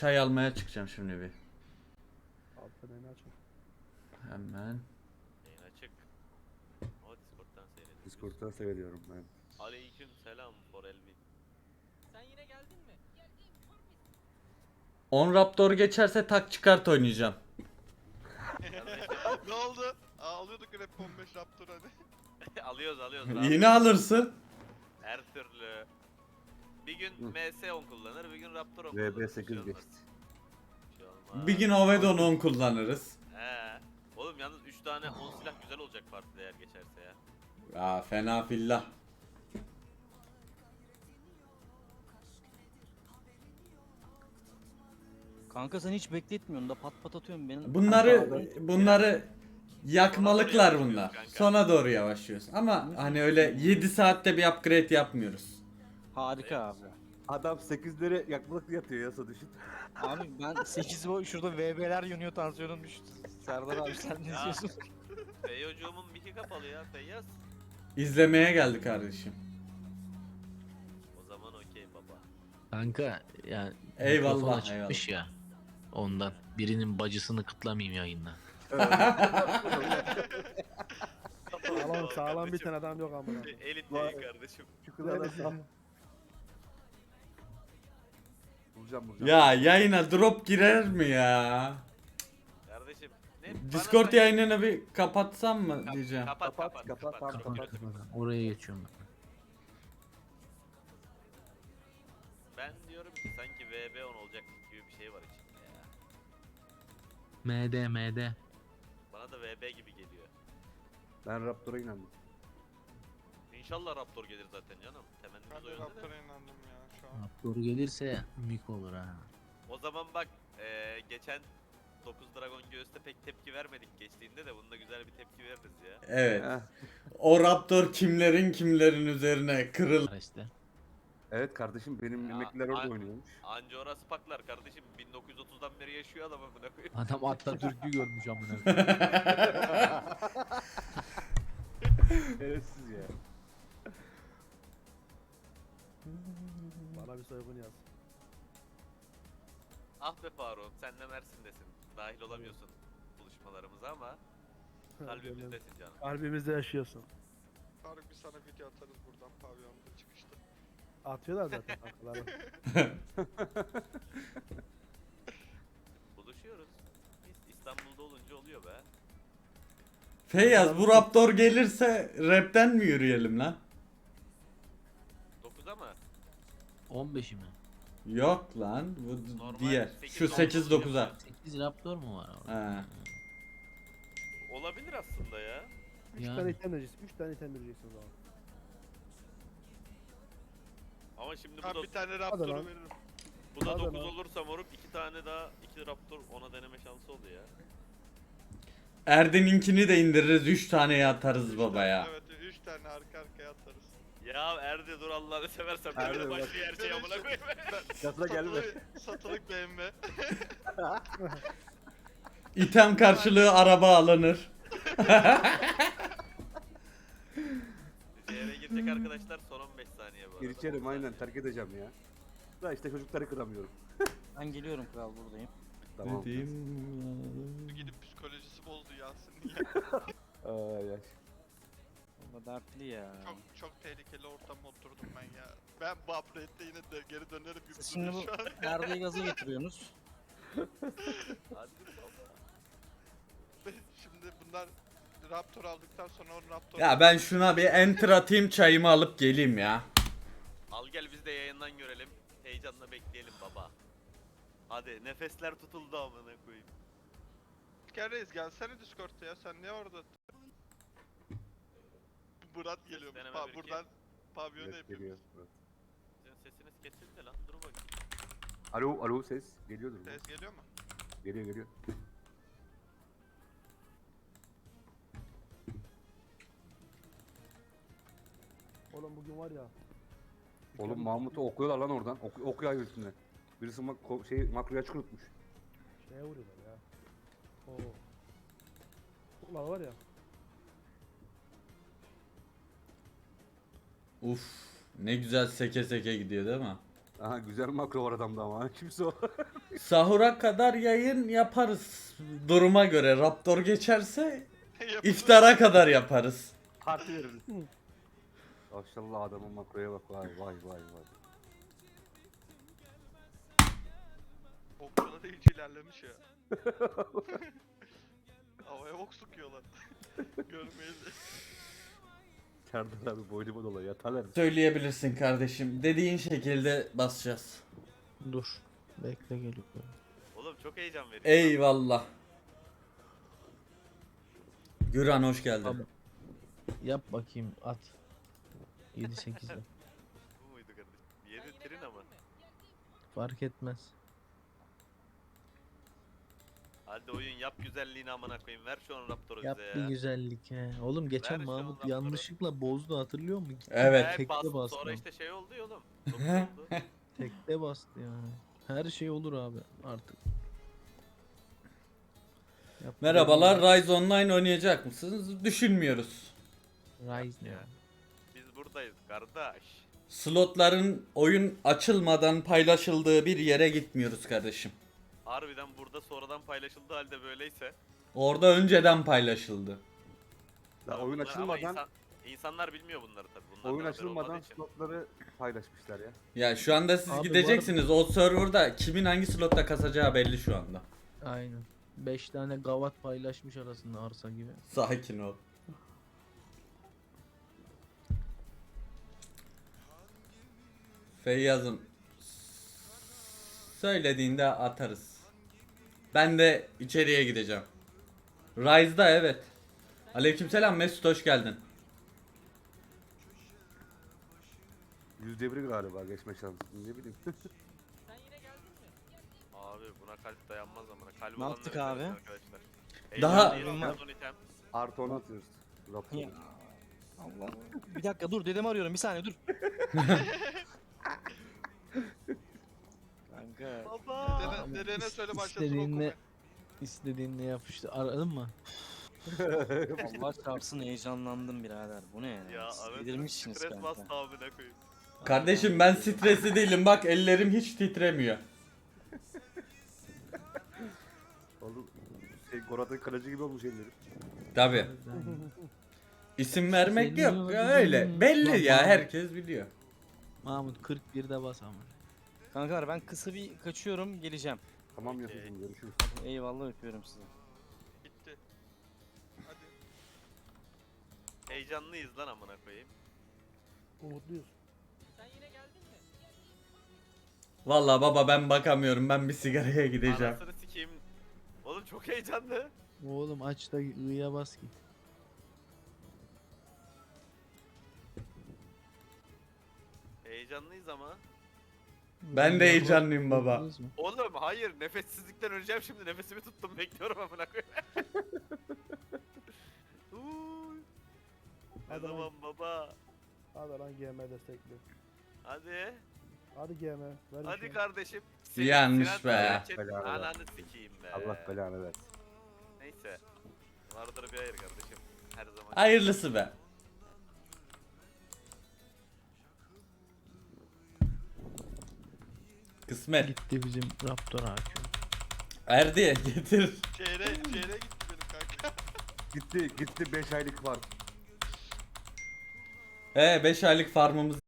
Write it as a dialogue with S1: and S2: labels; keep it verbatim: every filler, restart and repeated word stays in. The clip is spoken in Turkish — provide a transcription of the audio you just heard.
S1: Çay almaya çıkacağım şimdi bir.
S2: Altta beni açın.
S1: Hemen.
S3: Yayın açık. Ama Discord'dan seyrediyoruz.
S4: Discord'dan seyrediyorum ben.
S3: Aleyküm selam for Elvin.
S5: Sen yine geldin mi?
S1: on Raptor geçerse tak çıkart oynayacağım.
S6: Ne oldu? Aa, alıyorduk hep on beş Raptor hani.
S3: alıyoruz alıyoruz. rahat
S1: Yine
S3: ol.
S1: alırsın.
S3: Her türlü. Bir gün
S4: Hı.
S3: M S on kullanır, bir gün Raptor on kullanır.
S4: V B
S3: Bir şey
S4: sekiz
S3: olmaz.
S4: geçti.
S3: Bir şey olmaz.
S1: Bir gün Ovedon on kullanırız.
S3: He. Oğlum yalnız üç tane on silah güzel olacak partide eğer geçerse ya.
S1: Ya fena fillah.
S2: Kanka sen hiç bekletmiyorsun da pat pat atıyorsun benim.
S1: Bunları bunları yakmalıklar
S3: Sona doğru
S1: bunlar.
S3: yavaşlıyoruz kanka.
S1: Sona doğru yavaşlıyoruz. Ama hani öyle yedi saatte bir upgrade yapmıyoruz.
S2: Harika abi.
S4: Adam sekizleri yakmalık yatıyor yasa düşün.
S2: Abi ben sekiz boy şurada V B'ler yanıyor, tansiyonum düştü. Serdar abi sen ne
S3: Ya.
S2: diyorsun?
S3: Feyyaz'cığımın miki kapalı ya Feyyaz.
S1: İzlemeye geldi kardeşim.
S3: O zaman okey baba.
S7: Kanka yani
S1: Eyvallah,
S7: mikrofon açıkmış
S1: eyvallah.
S7: ya. Ondan. Birinin bacısını kıtlamayayım yayında.
S2: Sağlam sağlam bir
S3: Kardeşim.
S2: tane adam yok amına.
S3: Elit
S4: Vay.
S3: değil kardeşim.
S4: Şu kadar da sağ. Bulacağım bulacağım.
S1: Ya yayına drop girer mi ya?
S3: Kardeşim. Ne?
S1: Discord
S3: Bana-
S1: yayınını bir kapatsam mı
S3: Kap-
S1: diyeceğim.
S3: Kapat
S4: Kapat,
S3: kapat
S4: kapat,
S3: kapat.
S4: kapat,
S3: Çok
S4: kapat.
S3: kötü.
S7: Oraya geçiyorum ben.
S3: Ben diyorum ki sanki V B on olacak gibi bir şey var içinde ya.
S7: M D M D.
S3: Bana da V B gibi geliyor.
S4: Ben Raptor'a inandım.
S3: İnşallah Raptor gelir zaten canım.
S6: Ben
S3: Temennimiz o
S6: de
S3: yönde de.
S6: Raptor'a inandım ya şu an.
S7: Doğru gelirse mik olur ha.
S3: O zaman bak eee, geçen dokuz Dragon Göğüs'te pek tepki vermedik geçtiğinde de bunda güzel bir tepki veririz ya.
S1: Evet.
S4: Heh.
S1: O Raptor kimlerin kimlerin üzerine kırıl.
S7: İşte.
S4: Evet kardeşim benim
S3: Ya,
S4: emekliler orada
S3: an-
S4: oynuyormuş.
S3: Anca orası paklar kardeşim. bin dokuz yüz otuzdan beri yaşıyor adam amına koyayım.
S7: Adam Atatürk'ü görmüş amına koyayım.
S4: Şerefsiz ya.
S2: Bana bir soygun yaz.
S3: Ah be Faruk sen de Mersin'desin. Dahil olamıyorsun buluşmalarımıza ama kalbimizdesin canım.
S2: Kalbimizde yaşıyorsun.
S6: Faruk bir sana video atarız buradan pavyonda çıkışta.
S2: Atıyorlar zaten kankalarım.
S3: Buluşuyoruz. Biz İstanbul'da olunca oluyor be.
S1: Feyyaz bu Raptor gelirse rapten mi yürüyelim lan?
S3: dokuza mı?
S7: on beşi mi?
S1: Yok lan bu d-
S3: Normal
S1: diğer.
S3: sekiz,
S1: Şu
S3: dokuz
S1: sekiz dokuza.
S3: yapıyor.
S7: sekiz Raptor mu var orada?
S1: He.
S3: Olabilir aslında ya.
S2: üç
S7: Yani.
S2: tane item vereceksin. üç tane item vereceksin o zaman.
S3: Ama şimdi bu
S6: Ben
S3: da
S6: bir tane
S2: Hadi
S6: Raptor'u
S2: lan.
S6: veririm.
S3: bu da
S2: Hadi
S3: dokuz
S2: lan.
S3: olursa moruk iki tane daha iki Raptor ona deneme şansı oldu ya.
S1: Erdin'inkini de indiririz. üç taneye atarız
S6: Üç
S1: baba
S6: tane-
S1: ya.
S6: Evet üç tane arka arkaya atarız.
S3: Ya Erdi dur Allah'ını seversen
S4: Erdi,
S3: böyle
S4: bak.
S3: başlıyor her şey amına koyayım.
S4: Yatına gelme.
S6: Satılık, satılık B M W.
S1: İtem karşılığı araba alınır.
S3: Bizi eve girecek arkadaşlar son on beş saniye bu arada.
S4: Gir içerim
S3: on
S4: aynen
S3: saniye.
S4: terk edeceğim ya. Da işte çocukları kıramıyorum.
S2: Ben geliyorum kral, buradayım.
S4: Tamam.
S6: Gidip psikolojisi bozdu Yasin'in ya.
S4: Ay ay.
S2: Ama dertli ya.
S6: Çok çok tehlikeli ortama oturdum ben ya. Ben bu upgrade'de yine de geri dönerim gibi
S2: Siz şimdi
S6: duruyor
S2: bu
S6: şu an.
S2: Erda'yı gaza getiriyorsunuz.
S3: Hadi baba.
S6: Şimdi bunlar Raptor aldıktan sonra o Raptor...
S1: Ya ben şuna bir enter atayım çayımı alıp geleyim ya.
S3: Al gel biz de yayından görelim. Heyecanla bekleyelim baba. Hadi nefesler tutuldu amına koyayım.
S6: Gel reis gelsene Discord'a ya sen niye orada? Murat geliyor.
S3: Deneme
S6: Pa
S3: bir
S6: buradan pavyonu
S4: Evet,
S6: yapıyoruz.
S4: geliyor. Evet.
S3: Sizin sesiniz kesildi lan dur bakayım.
S4: Alo alo ses geliyordur mu?
S6: Ses geliyor mu?
S4: Geliyor geliyor.
S2: Oğlum bugün var ya.
S4: Oğlum Mahmut'u okuyorlar lan oradan. Ok okuyor ayı üstünde. Birisi mak ko- şey makroyu açık unutmuş.
S2: Şeye vuruyorlar ya. Oo. Ulan var ya.
S1: Uf, ne güzel seke seke gidiyor değil mi?
S4: Aha güzel makro var adamda ama. Kimse o.
S1: Sahura kadar yayın yaparız. Duruma göre Raptor geçerse
S6: Yapılır.
S1: iftara kadar yaparız.
S4: Parti veririz. Maşallah adamın makroya bak vay vay vay vay.
S6: Okçular da iyice ilerlemiş ya. Havaya ok sıkıyorlar. Görmeyiz.
S4: Serdar abi boynuma dola yatarlar.
S1: Söyleyebilirsin kardeşim. Dediğin şekilde basacağız.
S7: Dur. Bekle geliyor.
S3: Oğlum çok heyecan veriyor.
S1: Eyvallah. Güran hoş geldin.
S7: Abi. Yap bakayım at. yedi sekizde.
S3: Bu muydu kardeşim? Yedi trin ama.
S7: Fark etmez.
S3: Hadi oyun yap güzelliğini amına koyayım. Ver şu an Raptor'u
S7: Yap
S3: bize
S7: bir
S3: ya.
S7: güzellik he. Oğlum geçen
S3: Ver şu
S7: Mahmut
S3: Raptor'u.
S7: yanlışlıkla bozdu hatırlıyor musun? Gitti,
S1: Evet.
S3: Evet,
S7: Tekte
S3: bastı.
S7: bastım.
S3: Sonra işte şey oldu ya oğlum. Dokuz oldu.
S7: Tekte bastı yani. Her şey olur abi artık. Yap
S1: Merhabalar, Rise Online oynayacak mısınız? Düşünmüyoruz.
S7: Rise ne?
S3: Ya. Biz buradayız kardeş.
S1: Slotların oyun açılmadan paylaşıldığı bir yere gitmiyoruz kardeşim.
S3: Harbiden burada sonradan paylaşıldığı halde böyleyse.
S1: Orada önceden paylaşıldı.
S4: Ya oyun
S3: Bunlar- ama
S4: açılmadan
S3: insan- insanlar bilmiyor bunları tabii. Bunlardan
S4: oyun
S3: haber
S4: açılmadan
S3: olmadığı için.
S4: slotları paylaşmışlar ya.
S1: Ya şu anda siz
S7: Abi
S1: gideceksiniz. O serverda kimin hangi slotta kasacağı belli şu anda.
S7: Aynen. beş tane gavat paylaşmış arasında arsa gibi.
S1: Sakin ol. Feyyaz'ım söylediğinde atarız. Ben de içeriye gideceğim. Rise'da evet. Aleykümselam Mesut hoş geldin.
S4: Yüzde bir galiba geçme şansı. Ne bileyim.
S5: Sen yine geldin mi?
S3: Abi buna kalp dayanmaz amına. Kalp
S2: Ne
S3: olanları
S2: yaptık
S3: severiz
S2: abi?
S3: Arkadaşlar.
S1: Daha-
S3: Heyecanlıyız, pardon item.
S4: Artı onu atıyoruz. Raptor.
S2: Ya. Allah. Bir dakika dur dedemi arıyorum bir saniye dur. Kanka.
S3: Baba.
S6: Dedene, dedene söyle başlasın
S7: İstediğinle,
S6: okumaya.
S7: istediğinle yapıştı. Aradın mı?
S2: Allah çarpsın heyecanlandım birader. Bu ne yani?
S3: Ya
S2: Siz
S3: anasını
S2: delirmişsiniz
S3: stres
S2: kanka.
S3: bastı amına koyayım.
S1: Kardeşim ben stresli değilim bak ellerim hiç titremiyor.
S4: Oğlum şey Gorat'ın kaleci gibi olmuş elleri.
S1: Tabi. İsim vermek
S7: Seni
S1: yok ya
S7: öldürdüm.
S1: öyle. Belli ya
S7: Tamam.
S1: herkes biliyor.
S7: Mahmut kırk birde bas ama.
S2: Kankalar ben kısa bir kaçıyorum geleceğim.
S4: Tamam
S3: Okey.
S4: yapıyorsun görüşürüz.
S2: Eyvallah öpüyorum sizi.
S6: Gitti. Hadi.
S3: Heyecanlıyız lan amına koyayım.
S5: Sen yine geldin mi?
S1: Vallahi baba ben bakamıyorum ben bir sigaraya gideceğim.
S3: Anasını sikeyim. Oğlum çok heyecanlı.
S7: Oğlum aç da ı'ya bas git.
S3: Heyecanlıyız ama.
S1: Ben de heyecanlıyım baba.
S7: Gördünüz mü?
S3: Oğlum hayır nefessizlikten öleceğim şimdi nefesimi tuttum bekliyorum amına koyayım. Uy. Ne
S8: Hadi lan.
S3: zaman baba?
S8: Hadi lan G M destekli.
S3: Hadi.
S8: Hadi G M. Ver bir
S3: Hadi
S8: şey.
S3: kardeşim.
S1: Yanlış
S3: Sinan
S1: be.
S3: Fenerbahçe-
S4: Belanı ver.
S3: Ananı sikeyim be.
S4: Allah belanı versin.
S3: Neyse. Vardır bir hayır kardeşim. Her zaman.
S1: Hayırlısı be. Kısmet.
S7: Gitti bizim Raptor hakim.
S1: Erdi getir.
S6: Çeyre, çeyre gitti benim kanka.
S4: Gitti gitti beş aylık var.
S1: He beş aylık farmımız